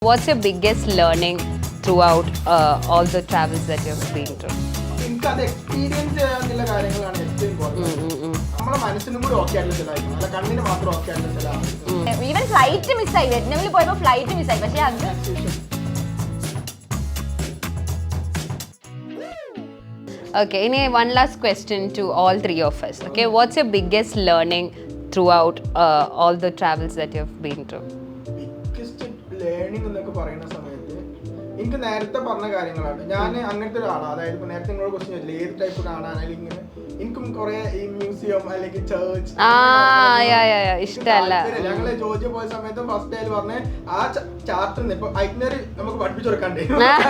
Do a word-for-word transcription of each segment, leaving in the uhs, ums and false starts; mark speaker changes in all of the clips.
Speaker 1: What's your biggest learning throughout uh, all the travels that you've been through?
Speaker 2: എനിക്ക് അത് experience ചെയ്യാനുള്ള കാര്യങ്ങളാണ് ഏറ്റവും ഇമ്പോർട്ടൻറ്റ്. നമ്മളെ മനസ്സിനും കൂടി ഓക്കെ ആയിട്ടുള്ള ചിലതായിരിക്കും, അല്ല കണ്ണിന് മാത്രം ഓക്കെ ആയിട്ടുള്ള ചില.
Speaker 3: ഈവൻ ഫ്ലൈറ്റ് മിസ്സായി, വിയറ്റ്നാമിൽ പോയപ്പോൾ ഫ്ലൈറ്റ് മിസ്സായി. പക്ഷേ അത്
Speaker 1: Okay, any one last question to all three of us. Okay, what's your biggest learning throughout uh, all the travels that you've been through?
Speaker 2: Biggest learning എന്നൊക്കെ പറയുന്ന സമയത്ത് എനിക്ക് നേരത്തെ പറഞ്ഞ കാര്യങ്ങളാണ്. ഞാൻ അങ്ങനത്തെ ഒരാളാണ്. അതായത് ഇപ്പോൾ നേരത്തെ നിങ്ങളോട് ക്വസ്റ്റ്യൻ ചോദിച്ചില്ല ഏത് ടൈപ്പ് കാണാൻ, അല്ലെങ്കിൽ എനിക്കും കുറെ ഈ മ്യൂസിയം അല്ലെങ്കിൽ ചേർച്ച്
Speaker 1: ഇഷ്ടമല്ല.
Speaker 2: ഞങ്ങള് ജോർജിയ പോയ സമയത്ത് ഫസ്റ്റ് ഡേയിൽ പറഞ്ഞ ആ ചാർട്ട് ഇപ്പൊ ഐറ്റിനറി നമുക്ക് പഠിപ്പിച്ചു കൊടുക്കണ്ടേ.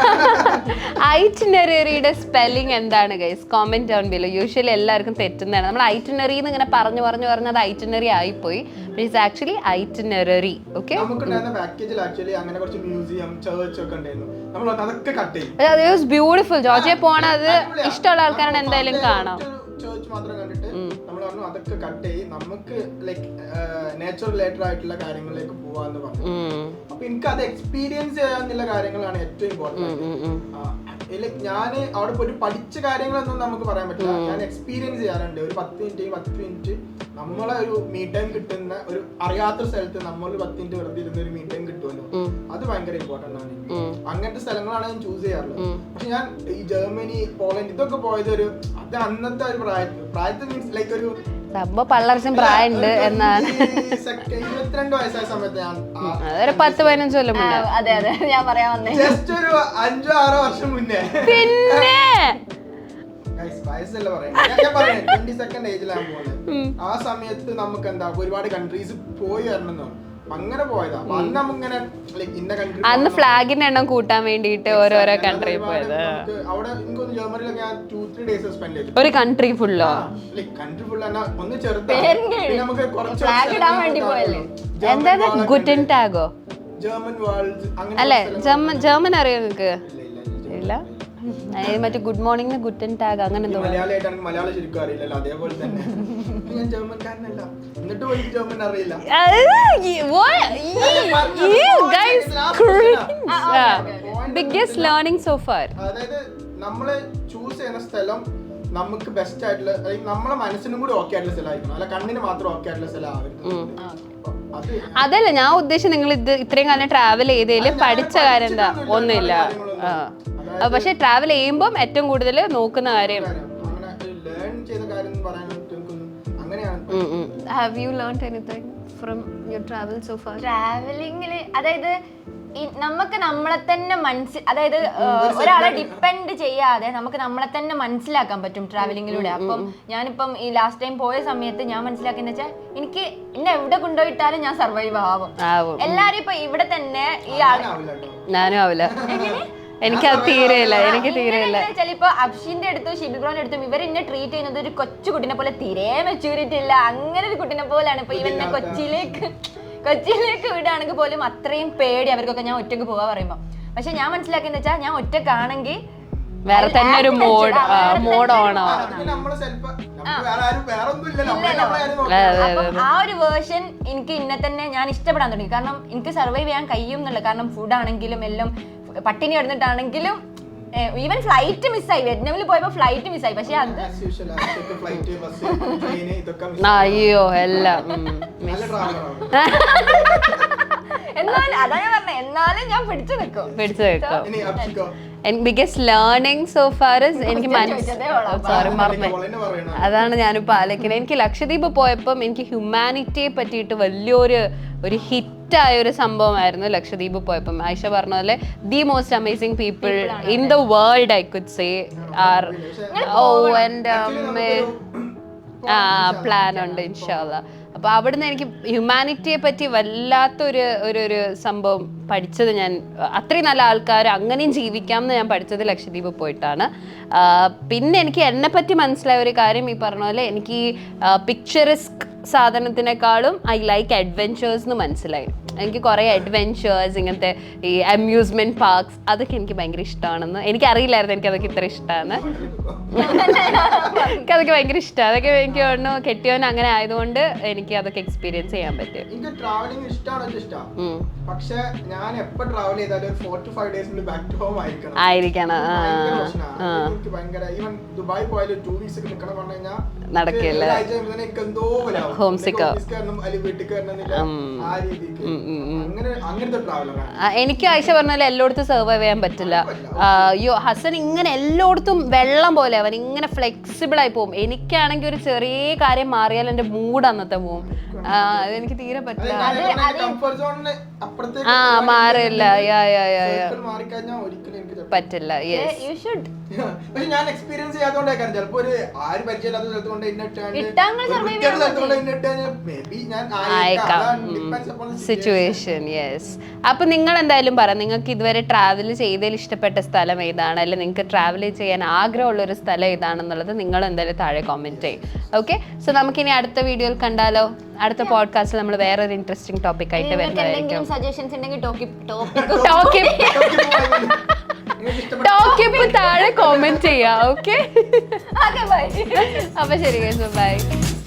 Speaker 1: ഐറ്റിനറിയുടെ സ്പെല്ലിംഗ് എന്താണ് guys? Comment down below. Usually എല്ലാവർക്കും തെറ്റുന്നതാണ്. നമ്മൾ ഐറ്റിനറി എന്ന് ഇങ്ങനെ പറഞ്ഞു പറഞ്ഞു പറഞ്ഞത് ഐറ്റിനറി ആയിപ്പോയി. It's actually itinerary. ഓക്കെ,
Speaker 2: നമുക്കുണ്ടായിരുന്ന പാക്കേജിൽ ആക്ച്വലി അങ്ങനെ കുറച്ച് മ്യൂസിയം ചേർച്ച് ഒക്കെ ഉണ്ടായിരുന്നു. നമ്മൾ അതൊക്കെ കട്ട് ചെയ്യും.
Speaker 1: അത് വാസ് ബ്യൂട്ടിഫുൾ. ജോർജിയ പോണത് ഇഷ്ടമുള്ള ആൾക്കാരാണ് എന്തായാലും കാണാം.
Speaker 2: ചേർച്ച് മാത്രം കണ്ടിട്ട് നമ്മൾ പറഞ്ഞു അതൊക്കെ കട്ട് ചെയ്യും, നമുക്ക് ലൈക്ക് നേച്ചർ റിലേറ്റഡ് ആയിട്ടുള്ള കാര്യങ്ങളിലേക്ക് പോവാന്ന് പറഞ്ഞു. അപ്പൊ എനിക്ക് അത് എക്സ്പീരിയൻസ് ചെയ്യാന്നുള്ള കാര്യങ്ങളാണ് ഏറ്റവും ഇമ്പോർട്ടൻറ്റ്. ലൈക്ക് ഞാൻ അവിടെ പോയിട്ട് പഠിച്ച കാര്യങ്ങളൊന്നും നമുക്ക് പറയാൻ പറ്റില്ല. ഞാൻ എക്സ്പീരിയൻസ് ചെയ്യാറുണ്ട്. ഒരു പത്ത് മിനിറ്റ് പത്ത് മിനിറ്റ് നമ്മളെ ഒരു മീ ടൈം കിട്ടുന്ന ഒരു അറിയാത്ത സ്ഥലത്ത് നമ്മൾ പത്ത് മിനിറ്റ് വെറുതെ ഇരുന്ന ഒരു മീ ടൈം കിട്ടുമല്ലോ, അത് ഭയങ്കര ഇമ്പോർട്ടൻ്റ് ആണ്. അങ്ങനത്തെ സ്ഥലങ്ങളാണ് ഞാൻ ചൂസ് ചെയ്യാറുള്ളത്. പക്ഷെ ഞാൻ ഈ ജർമ്മനി, പോളണ്ട് ഇതൊക്കെ പോയത് ഒരു അത് അന്നത്തെ ഒരു പ്രായത്തിൽ പ്രായത്തിൽ മീൻസ് ലൈക്ക് ഒരു
Speaker 1: പള്ളർച്ചും പ്രായമുണ്ട് എന്നാണ്.
Speaker 2: ഇരുപത്തിരണ്ട് വയസ്സായ സമയത്ത് ഞാൻ
Speaker 1: ഒരു പത്ത് പതിനഞ്ച് കൊല്ലം മുന്നേ.
Speaker 3: അതെ അതെ ഞാൻ പറയാൻ വന്നേ.
Speaker 2: ജസ്റ്റ് ഒരു അഞ്ചോ ആറോ വർഷം മുന്നേ.
Speaker 1: പിന്നെ
Speaker 2: വയസ്സല്ല പറയുന്നത്, ഞാൻ പറയുന്നത് ട്വന്റി സെക്കൻഡ് ഏജിലാണ് പോകുന്നത്. ആ സമയത്ത് നമുക്ക് എന്താ ഒരുപാട് കൺട്രീസ് പോയി വരണം. അങ്ങനെ പോയതാ. അന്ന് നമുക്കിങ്ങനെ ഇന്ന കൺട്രി,
Speaker 1: അന്ന് ഫ്ലാഗിന്റെ എണ്ണം കൂട്ടാൻ വേണ്ടിട്ട് ഓരോരോ കൺട്രി പോയത്.
Speaker 2: അവിടെ എനിക്കൊന്ന് ജർമ്മനിലൊക്കെ ഞാൻ ടു ത്രീ ഡേയ്സ് സ്പെൻഡ് ചെയ്തു.
Speaker 1: ഒരു കൺട്രി ഫുള്ളോ?
Speaker 2: കൺട്രി ഫുൾ ഒന്ന് ചെറുതാണ്. നമുക്ക് കുറച്ച്
Speaker 1: എന്താ ഗുട്ടൻ ടാഗോ
Speaker 2: ജർമ്മൻ വേൾഡ്
Speaker 1: അല്ലേ? ജർമ്മൻ ജർമ്മൻ അറിയോ നിങ്ങക്ക്? ഇല്ല. മറ്റേ ഗുഡ് മോർണിംഗ് ഗുട്ടൻ ടാഗ് അങ്ങനെ എന്തോ.
Speaker 2: മലയാളിയായിട്ടാണ് മലയാളം ശരിക്കും അറിയില്ലല്ലോ, അതേപോലെ തന്നെ ഞാൻ ജർമ്മൻകാരനല്ല, എന്നിട്ട് പോയി ജർമ്മൻ അറിയില്ല.
Speaker 1: Biggest learning so far.
Speaker 2: അതായത് നമ്മള് ചൂസ് ചെയ്യുന്ന സ്ഥലം നമുക്ക് ബെസ്റ്റ് ആയിട്ടുള്ള, നമ്മളെ മനസ്സിനും കൂടി ഓക്കെ ആയിട്ടുള്ള സ്ഥലമായിരിക്കണം, അല്ല കണ്ണിന് മാത്രം ഓക്കെ ആയിട്ടുള്ള സ്ഥലം ആവരുത്.
Speaker 1: അതല്ല ഞാൻ ഉദ്ദേശിച്ചത്. നിങ്ങൾ ഇത് ഇത്രയും കാലം ട്രാവൽ ചെയ്തതിൽ പഠിച്ച കാര്യം എന്താ? ഒന്നുമില്ല. പക്ഷെ ട്രാവൽ ചെയ്യുമ്പോൾ ഏറ്റവും കൂടുതൽ നോക്കുന്ന കാര്യം have you learned anything from your travel so far?
Speaker 3: ട്രാവലിംഗില് അതായത് നമുക്ക് നമ്മളെ തന്നെ മനസ്സിൽ, അതായത് ഒരാളെ ഡിപ്പെൻഡ് ചെയ്യാതെ നമുക്ക് നമ്മളെ തന്നെ മനസ്സിലാക്കാൻ പറ്റും ട്രാവലിംഗിലൂടെ. അപ്പം ഞാനിപ്പം ഈ ലാസ്റ്റ് ടൈം പോയ സമയത്ത് ഞാൻ മനസ്സിലാക്കിയെന്ന് വെച്ചാൽ എനിക്ക് എന്നെ എവിടെ കൊണ്ടുപോയിട്ടാലും ഞാൻ സർവൈവ് ആവും. എല്ലാരും ഇപ്പൊ ഇവിടെ തന്നെ ഈ ആള്
Speaker 1: ഞാനും ആവില്ല. എനിക്ക് അത് തീരെയില്ല. എനിക്ക് തീരെയില്ല.
Speaker 3: ചിലപ്പോ അബ്ഷിന്റെ അടുത്തും ഷിബിബ്രോന്റെ അടുത്തും ഇവർ എന്നെ ട്രീറ്റ് ചെയ്യുന്നത് ഒരു കൊച്ചു കുട്ടിനെ പോലെ തീരെ മെച്യൂരിറ്റി ഇല്ല, അങ്ങനെ ഒരു കുട്ടിനെ പോലെയാണ്. ഇപ്പൊ ഇവന്നെ കൊച്ചിയിലേക്ക് കൊച്ചിയിലേക്ക് വിടുകയാണെങ്കിൽ പോലും അത്രയും പേടി അവർക്കൊക്കെ ഞാൻ ഒറ്റക്ക് പോവാ പറയുമ്പോ. പക്ഷെ ഞാൻ മനസ്സിലാക്കിയെന്ന് വെച്ചാൽ ഞാൻ ഒറ്റക്കാണെങ്കിൽ
Speaker 1: വേറെ തന്നെ ഒരു മോഡ് മോഡ് ഓണോ.
Speaker 3: ആ ഒരു വേർഷൻ എനിക്ക് ഇന്നെ തന്നെ ഞാൻ ഇഷ്ടപ്പെടാൻ തുടങ്ങി. കാരണം എനിക്ക് സർവൈവ് ചെയ്യാൻ കഴിയും എന്നുള്ളത്. കാരണം ഫുഡ് ആണെങ്കിലും എല്ലാം പട്ടിണി കിടന്നിട്ടാണെങ്കിലും ഈവൻ ഫ്ലൈറ്റ് മിസ്സായി. വിയറ്റ്നാമിൽ പോയപ്പോ ഫ്ലൈറ്റ് മിസ്സായി. പക്ഷെ അത്
Speaker 1: അയ്യോ എല്ലാം
Speaker 3: എന്നാലും അതാ ഞാൻ പറഞ്ഞത്, എന്നാലും ഞാൻ പിടിച്ചു നിൽക്കും
Speaker 1: പിടിച്ചു നിൽക്കും. ബിഗ്ഗസ്റ്റ് ലേണിംഗ് സോ ഫാർ എനിക്ക് സോറി മറന്നു. അതാണ് ഞാനിപ്പോൾ ആലോചിക്കുന്നത്. എനിക്ക് ലക്ഷദ്വീപ് പോയപ്പം എനിക്ക് ഹ്യൂമാനിറ്റിയെ പറ്റിയിട്ട് വലിയൊരു ഒരു ഹിറ്റായ ഒരു സംഭവമായിരുന്നു ലക്ഷദ്വീപ് പോയപ്പം. ആയിഷ പറഞ്ഞ പോലെ the most amazing people in the world I could say are. ഓ എൻ്റെ അമ്മേ, ആ പ്ലാൻ ഉണ്ട് ഇൻഷാ അല്ലാ. അപ്പോൾ അവിടുന്ന് എനിക്ക് ഹ്യൂമാനിറ്റിയെ പറ്റി വല്ലാത്തൊരു ഒരു ഒരു സംഭവം പഠിച്ചത്. ഞാൻ അത്രയും നല്ല ആൾക്കാർ അങ്ങനെയും ജീവിക്കാം എന്ന് ഞാൻ പഠിച്ചത് ലക്ഷദ്വീപ് പോയിട്ടാണ്. പിന്നെ എനിക്ക് എന്നെ പറ്റി മനസ്സിലായ ഒരു കാര്യം ഈ പറഞ്ഞ പോലെ എനിക്ക് പിക്ചറിസ്ക് സാധനത്തിനേക്കാളും ഐ ലൈക്ക് അഡ്വെഞ്ചേഴ്സ് എന്ന് മനസ്സിലായി. എനിക്ക് കുറേ അഡ്വെഞ്ചേഴ്സ്, ഇങ്ങനത്തെ ഈ അമ്യൂസ്മെന്റ് പാർക്സ്, അതൊക്കെ എനിക്ക് ഭയങ്കര ഇഷ്ടമാണെന്ന്. എനിക്കറിയില്ലായിരുന്നു എനിക്ക് അതൊക്കെ ഇത്ര ഇഷ്ടമാണ്. എനിക്ക് അതൊക്കെ ഭയങ്കര ഇഷ്ടമാണ്. അതൊക്കെ എനിക്ക് തോന്നുന്നു കെട്ടിയവൻ അങ്ങനെ ആയതുകൊണ്ട് എനിക്ക് അതൊക്കെ എക്സ്പീരിയൻസ് ചെയ്യാൻ പറ്റും.
Speaker 2: എനിക്ക് ട്രാവലിംഗ് ഇഷ്ടമാണ്, ഇഷ്ടമാണ്. പക്ഷെ ഞാൻ എപ്പോ ട്രാവൽ ചെയ്താലും ഒരു ഫോർ ടു ഫൈവ് ഡേയ്സിനുള്ളിൽ ബാക്ക് ടു ഹോം ആയിരിക്കണം
Speaker 1: ആയിരിക്കണം
Speaker 2: എനിക്ക് ഭയങ്കര. ഈവൻ ദുബായ് പോയാലും ടു വീക്സ് ഒക്കെ നിൽക്കണം പറഞ്ഞു കഴിഞ്ഞാൽ
Speaker 1: നടക്കില്ല.
Speaker 2: എന്തോ
Speaker 1: ഹോം സിക്ക്
Speaker 2: വീട്ടിൽ കയറണമെന്നില്ല ആ രീതിക്ക്. അങ്ങനെ അങ്ങനത്തെ ട്രാവലറാണ്.
Speaker 1: എനിക്ക് ആയിഷ പറഞ്ഞാൽ എല്ലായിടത്തും സർവൈവ് ചെയ്യാൻ പറ്റില്ല. അയ്യോ ഹസൻ ഇങ്ങനെ എല്ലായിടത്തും വെള്ളം പോലെ അവൻ ഇങ്ങനെ ഫ്ലെക്സിബിൾ ആയി പോകും. എനിക്കാണെങ്കിൽ ഒരു ചെറിയ കാര്യം മാറിയാൽ എന്റെ മൂഡ് അന്നത്തെ പോവും. അതെനിക്ക് തീരെ പറ്റില്ല. ആ മാറില്ല പറ്റില്ല.
Speaker 2: പക്ഷെ ഞാൻ എക്സ്പീരിയൻസ് ചെയ്യാത്തോണ്ടായിരിക്കും. ചിലപ്പോ ഒരു ആര് പരിചയമില്ലാത്ത സ്ഥലത്ത് കൊണ്ട്
Speaker 1: സിറ്റുവേഷൻ. യെസ്. അപ്പൊ നിങ്ങൾ എന്തായാലും പറ, നിങ്ങൾക്ക് ഇതുവരെ ട്രാവൽ ചെയ്തതിൽ ഇഷ്ടപ്പെട്ട സ്ഥലം ഏതാണ്, അല്ലെങ്കിൽ നിങ്ങൾക്ക് ട്രാവൽ ചെയ്യാൻ ആഗ്രഹമുള്ള ഒരു സ്ഥലം ഏതാണെന്നുള്ളത് നിങ്ങൾ എന്തായാലും താഴെ കോമെന്റ് ചെയ്യും. ഓക്കെ, സോ നമുക്കിനി അടുത്ത വീഡിയോയിൽ കണ്ടാലോ? അടുത്ത പോഡ്കാസ്റ്റിൽ നമ്മൾ വേറെ ഒരു ഇൻട്രസ്റ്റിംഗ് ടോപ്പിക് ആയിട്ട് വരുന്നതായിരിക്കും.
Speaker 3: സജഷൻസ് ഉണ്ടെങ്കിൽ
Speaker 1: ടോക്കിപ്പ് താഴെ കോമെന്റ് ചെയ്യാം. ഓക്കെ, അപ്പൊ ശരി, ബൈ.